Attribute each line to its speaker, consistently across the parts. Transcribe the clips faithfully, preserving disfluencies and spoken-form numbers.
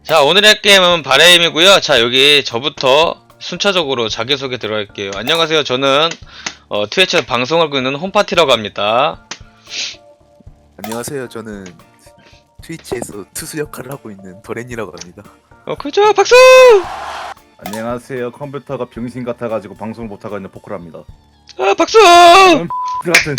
Speaker 1: 자, 오늘의 게임은 바레임이고요. 자, 여기 저부터 순차적으로 자기소개 들어갈게요. 안녕하세요. 저는 어, 트위치에서 방송을 하고 있는 홈파티라고 합니다.
Speaker 2: 안녕하세요. 저는 트위치에서 투수 역할을 하고 있는 도렌이라고 합니다.
Speaker 1: 어, 그죠? 박수!
Speaker 3: 안녕하세요. 컴퓨터가 병신 같아가지고 방송을 못하고 있는 포크랍니다.
Speaker 1: 아, 박수!
Speaker 3: 그 같은.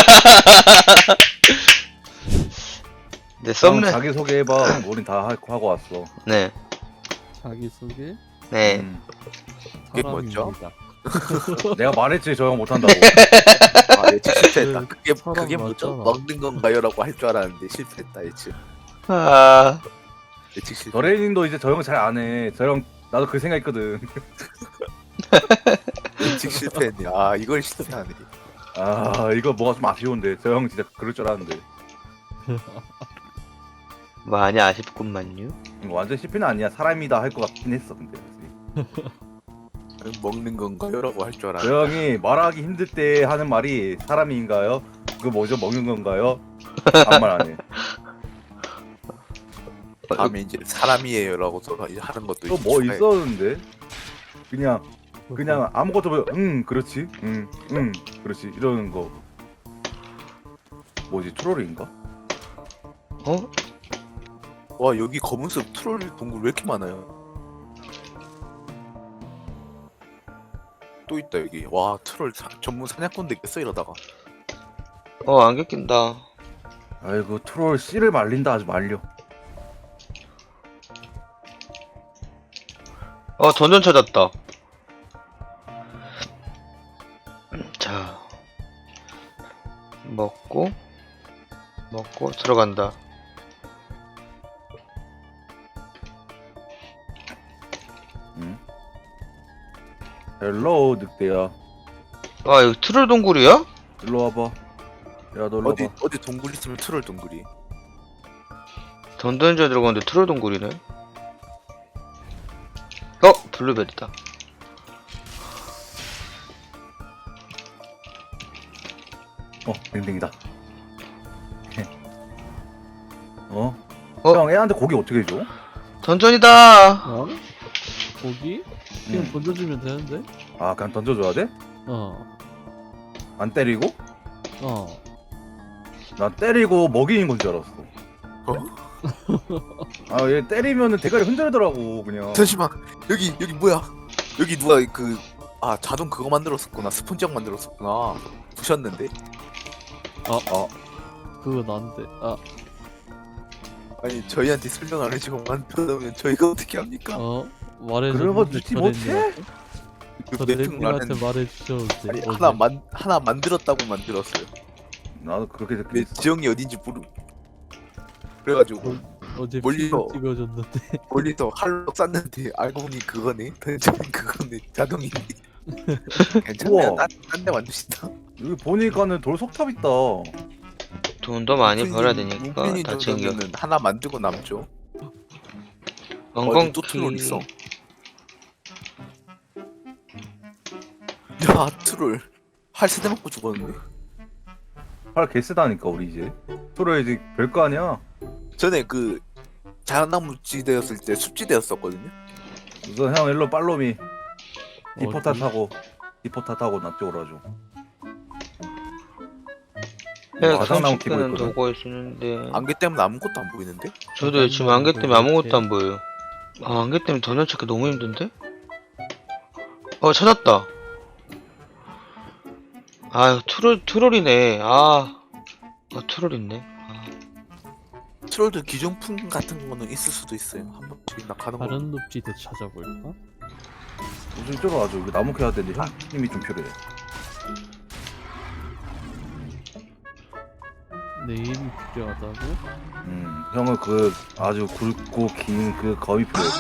Speaker 1: 네, 썸네.
Speaker 3: 자기 소개해봐. 우린 다 하- 하고 왔어.
Speaker 1: 네,
Speaker 4: 자기소개
Speaker 1: 네.
Speaker 3: 음.
Speaker 2: 그게 뭐죠?
Speaker 4: 사람입니다.
Speaker 3: 내가 말했지 저 형 못한다고.
Speaker 2: 아, 예측 실패했다. 그게
Speaker 4: 사람
Speaker 2: 그게 뭐죠?
Speaker 4: 맞잖아.
Speaker 2: 먹는 건가요?라고 할 줄 알았는데 실패했다. 예측.
Speaker 1: 아,
Speaker 2: 예측 실패.
Speaker 3: 저레이님도 이제 저 형 잘 안 해. 저 형 나도 그 생각했거든.
Speaker 2: 예측 실패했네. 아 이걸 실패하네.
Speaker 3: 아 이거 뭐가 좀 아쉬운데. 저 형 진짜 그럴 줄 알았는데.
Speaker 1: 많이 아쉽구만요.
Speaker 3: 이거 완전 씹히는 아니야. 사람이다 할 것 같긴 했어. 근데
Speaker 2: 먹는 건가요?라고 할 줄
Speaker 3: 저
Speaker 2: 알았는데.
Speaker 3: 형이 말하기 힘들 때 하는 말이 사람인가요? 그거 뭐죠? 먹는 건가요? 아무 말 안 해.
Speaker 2: 다음에 이제 사람이에요라고 또 이제 하는 것도
Speaker 3: 또
Speaker 2: 이제
Speaker 3: 뭐
Speaker 2: 추가해.
Speaker 3: 있었는데? 그냥 그냥 아무것도 뭐, 응 그렇지 응 응 그렇지 이러는 거 뭐지 트롤인가?
Speaker 1: 어?
Speaker 2: 와 여기 검은색 트롤 동굴 왜 이렇게 많아요? 또 있다 여기. 와 트롤 사, 전문 사냥꾼 되겠어 이러다가.
Speaker 1: 어, 안개 낀다.
Speaker 3: 아이고 트롤 씨를 말린다 아주 말려.
Speaker 1: 어, 던전 찾았다. 자, 먹고, 먹고, 들어간다.
Speaker 3: 응? 헬로우 늑대야
Speaker 1: 아, 여기 트롤 동굴이야?
Speaker 3: 일로 와봐. 야 너 일로
Speaker 2: 어디
Speaker 3: 와봐.
Speaker 2: 어디 동굴 있으면 트롤 동굴이.
Speaker 1: 던던지에 들어갔는데 트롤 동굴이네. 어, 블루베리다.
Speaker 3: 어 댕댕이다. 어?
Speaker 1: 어?
Speaker 3: 형 애한테 고기 어떻게 줘?
Speaker 1: 던전이다.
Speaker 4: 어? 고기? 그냥
Speaker 3: 응.
Speaker 4: 던져주면 되는데?
Speaker 3: 아 그냥 던져줘야 돼?
Speaker 4: 어.
Speaker 3: 안 때리고?
Speaker 4: 어.
Speaker 3: 나 때리고 먹이는 건 줄 알았어. 아 얘 때리면은 대가리 흔들더라고 그냥.
Speaker 2: 잠시만 여기 여기 뭐야? 여기 누가 그 아 자동 그거 만들었었구나. 스폰지형 만들었었구나. 부셨는데.
Speaker 4: 그거 난데. 아,
Speaker 2: 아니 저희한테 설명 안 해주고 만들어놓으면 저희가 어떻게 합니까?
Speaker 4: 어? 말해줘.
Speaker 3: 그런 거 듣지 못해?
Speaker 2: 그 내핑
Speaker 4: 저랜님한테
Speaker 2: 라는
Speaker 4: 말해주셔도 돼.
Speaker 2: 아니
Speaker 4: 어제.
Speaker 2: 하나 만 하나 만들었다고 만들었어요.
Speaker 3: 나도 그렇게
Speaker 2: 내
Speaker 3: 듣겠어.
Speaker 2: 지형이 어딘지 모르. 그래가지고
Speaker 4: 어제
Speaker 2: 멀리서.
Speaker 4: 피를 찍어줬는데.
Speaker 2: 멀리서 할로 쐈는데 알고 보니 그거네. 던전 그거네. 자동이네. 괜찮아요.
Speaker 3: 우와.
Speaker 2: 딴데 만드신다.
Speaker 3: 여기 보니까는 돌 석탑 있다.
Speaker 1: 돈도 많이 벌어야 되니까
Speaker 2: 문핀이
Speaker 1: 다 챙겨.
Speaker 2: 정도면은 하나 만들고 남죠.
Speaker 1: 엉겅
Speaker 2: 어디 또 트롤 있어? 야 트롤 할 세대 맞고 죽었는데.
Speaker 3: 팔 개쓰다니까 우리 이제. 트롤 이제 별거 아니야.
Speaker 2: 전에 그 자연나무지대였을 때 숲지대였었거든요.
Speaker 3: 우선 형 일로 팔로미. 디포타
Speaker 4: 어디?
Speaker 3: 타고 디포타 타고 나 쪽으로 와줘.
Speaker 1: 내가
Speaker 3: 화장나무 키고
Speaker 1: 상식되는
Speaker 3: 있거든.
Speaker 1: 도구가 있었는데
Speaker 2: 안개 때문에 아무것도 안 보이는데?
Speaker 1: 저도 지금 안개 때문에 아무것도 안 보여요. 아, 안개 때문에 던전 찾기 너무 힘든데? 어, 찾았다. 아유, 트롤, 트롤이네. 아, 아 트롤 있네. 아,
Speaker 2: 트롤도 기존품 같은 거는 있을 수도 있어요. 한 번씩 나 가는 거.
Speaker 4: 다른 늪지대 찾아볼까?
Speaker 3: 우선 이쪽으로 와줘. 이거 나무 캐야 되는데 형 힘이 좀 필요해.
Speaker 4: 내일이 필요하다고?
Speaker 3: 음, 형은 그 아주 굵고 긴 그 검이 필요해.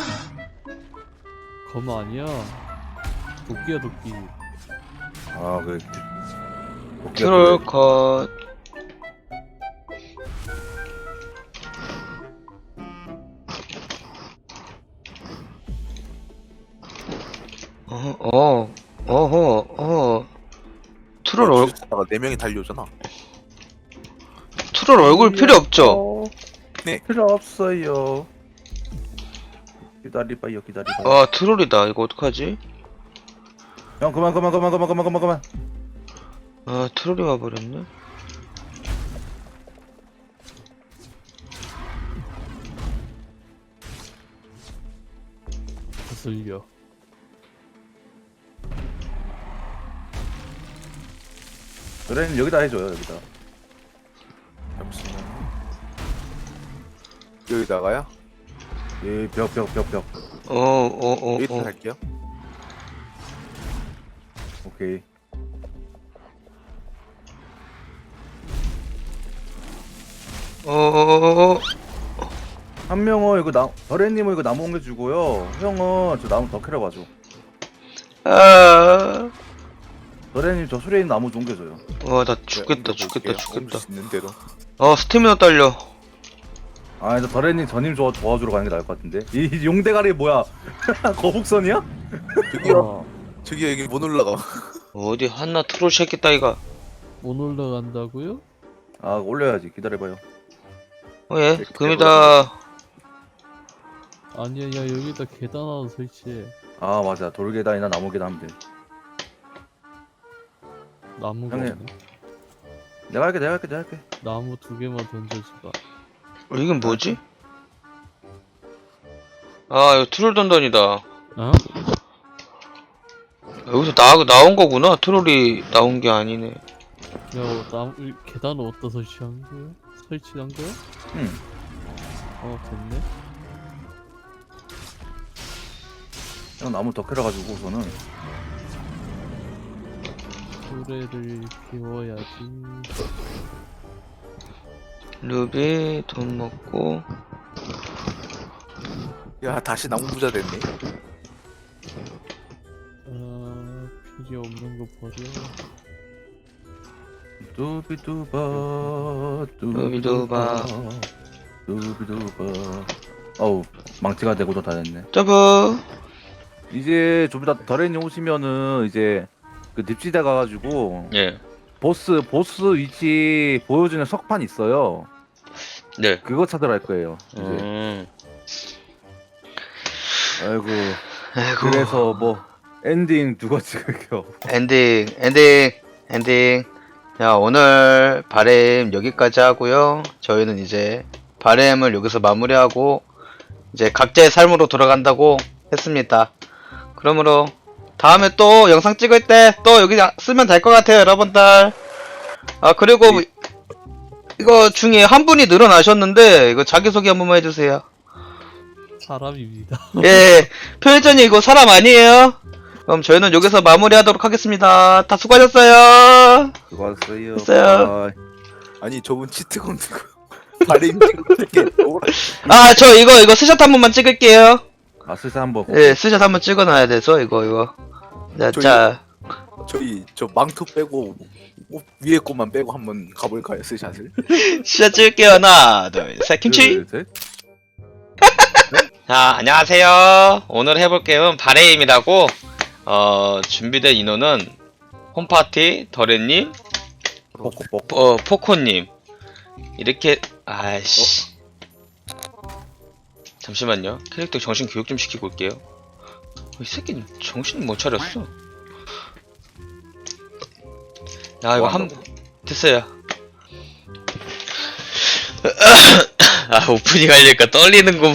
Speaker 4: 검 아니야. 도끼야 도끼.
Speaker 3: 아, 그 도끼가
Speaker 1: 트롤
Speaker 3: 필요해.
Speaker 1: 컷. 어, 어, 어허, 어. 트롤 얼,
Speaker 2: 다가 네 명이 달려오잖아.
Speaker 1: 트롤 얼굴 필요 없죠?
Speaker 3: 네. 필요 없어요. 기다리봐요 기다리봐요.
Speaker 1: 아 트롤이다. 이거 어떡하지?
Speaker 3: 형 그만 그만 그만 그만 그만 그만 그만.
Speaker 1: 아 트롤이 와버렸네.
Speaker 4: 거슬려.
Speaker 3: 그래 여기다 해줘요 여기다.
Speaker 2: 잠시만. 여기다가요?
Speaker 3: 예벽 벽 벽 벽.
Speaker 1: 어어어
Speaker 2: 여기다
Speaker 1: 어, 어.
Speaker 2: 할게요.
Speaker 3: 오케이.
Speaker 1: 어, 어, 어.
Speaker 3: 한 명은 이거 나 더래님은 이거 나무 옮겨주고요. 형은 저 나무 더 캐러 가죠.
Speaker 1: 아,
Speaker 3: 더래님 저 수레인 나무 좀 옮겨줘요.
Speaker 1: 와, 나
Speaker 2: 네,
Speaker 1: 죽겠다, 죽겠다, 죽겠다.
Speaker 2: 있는 대로.
Speaker 1: 어, 스태미나 딸려.
Speaker 3: 아, 저 더래님 저님 저 도와주러 가는 게 나을 것 같은데. 이, 이 용대가리 뭐야? 거북선이야?
Speaker 2: 저기요.
Speaker 4: 어,
Speaker 2: 저기요 여기 못 올라가.
Speaker 1: 어디 한나 트롤 새끼 따위가.
Speaker 4: 못 올라간다고요?
Speaker 3: 아, 올려야지. 기다려봐요.
Speaker 1: 어, 예,
Speaker 2: 네,
Speaker 1: 금이다.
Speaker 4: 아니야, 야 여기다 계단 하나 설치해.
Speaker 3: 아, 맞아. 돌계단이나 나무 계단 하면 돼.
Speaker 4: 나무가
Speaker 3: 형님.
Speaker 4: 없네.
Speaker 3: 내가 할게, 내가 할게, 내가 할게.
Speaker 4: 나무 두 개만 던져주라.
Speaker 1: 어, 이건 뭐지? 아, 이거 트롤 던던이다.
Speaker 4: 어?
Speaker 1: 여기서 나, 나온 거구나. 트롤이 나온 게 아니네.
Speaker 4: 야, 나무 이 계단을 어디다 설치한 거야? 설치한 거야?
Speaker 3: 응.
Speaker 4: 어, 됐네.
Speaker 3: 형 나무 더 캐러 가지고 우선은.
Speaker 4: 수레를 비워야지.
Speaker 1: 루비, 돈 먹고.
Speaker 2: 야 다시 나무 부자 됐네.
Speaker 4: 아, 필요 없는 거 버려.
Speaker 3: 두비두바,
Speaker 1: 두비두바.
Speaker 3: 두비두바. 어우, 망치가 되고도 다 됐네.
Speaker 1: 점프.
Speaker 3: 이제 좀 이따 더래님 오시면은 이제 그 늪지대 가가지고
Speaker 1: 예.
Speaker 3: 보스 보스 위치 보여주는 석판 있어요.
Speaker 1: 네.
Speaker 3: 그거 찾으러 갈 거예요. 이제.
Speaker 1: 음.
Speaker 3: 아이고.
Speaker 1: 아이고.
Speaker 3: 그래서 뭐 엔딩 누가 찍을게요.
Speaker 1: 엔딩, 엔딩, 엔딩. 야, 오늘 바램 여기까지 하고요. 저희는 이제 바램을 여기서 마무리하고 이제 각자의 삶으로 돌아간다고 했습니다. 그러므로 다음에 또 영상 찍을 때 또 여기 쓰면 될 것 같아요, 여러분들. 아, 그리고 이거 중에 한 분이 늘어나셨는데 이거 자기소개 한 번만 해주세요.
Speaker 4: 사람입니다.
Speaker 1: 예, 표현전이 이거 사람 아니에요? 그럼 저희는 여기서 마무리하도록 하겠습니다. 다 수고하셨어요.
Speaker 3: 수고하셨어요.
Speaker 1: 됐어요.
Speaker 3: 바이.
Speaker 2: 아니 저분 치트 건드 발음 찍을 때
Speaker 1: 아, 저 이거 이거 스샷 한 번만 찍을게요.
Speaker 3: 아 슬슬 한번.
Speaker 1: 예, 스샷 한번 찍어놔야 돼서 이거 이거. 자,
Speaker 2: 저희-
Speaker 1: 자,
Speaker 2: 저희 저 망토 빼고 옷 위에 것만 빼고 한번 가볼까요 스샷을?
Speaker 1: 스샷 찍을게요. 하나, 둘, 셋, 김치.
Speaker 3: 둘, 셋.
Speaker 1: 자, 안녕하세요. 오늘 해볼 게임은 바레임이라고. 어, 준비된 인원은 홈파티, 더레님,
Speaker 3: 뽀꼬뽀.
Speaker 1: 어, 포코님. 이렇게, 아이씨. 잠시만요. 캐릭터 정신 교육 좀 시키고 올게요. 이 새끼는 정신을 못 차렸어. 야, 이거
Speaker 2: 뭐
Speaker 1: 한,
Speaker 2: 한다고?
Speaker 1: 됐어요. 아, 오프닝 하려니까 떨리는구만.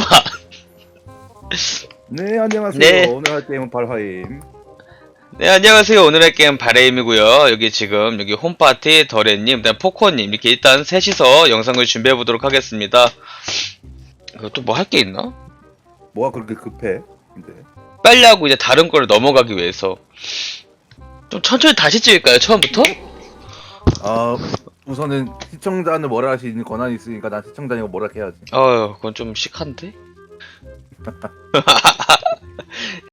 Speaker 3: 네 안녕하세요.
Speaker 1: 네.
Speaker 3: 오늘 할 게임은 발화임.
Speaker 1: 네, 안녕하세요. 오늘의 게임 바레임이고요. 여기 지금 여기 홈파티, 더레님, 그다음 포코님 이렇게 일단 셋이서 영상을 준비해 보도록 하겠습니다. 이거 또 뭐 할 게 있나?
Speaker 3: 뭐가 그렇게 급해? 근데.
Speaker 1: 빨리 하고 이제 다른 걸 넘어가기 위해서 좀 천천히 다시 찍을까요? 처음부터?
Speaker 3: 아 우선은 시청자는 뭐라 할 수 있는 권한이 있으니까 난 시청자니까 뭐라 해야지.
Speaker 1: 어휴, 그건 좀 시한데?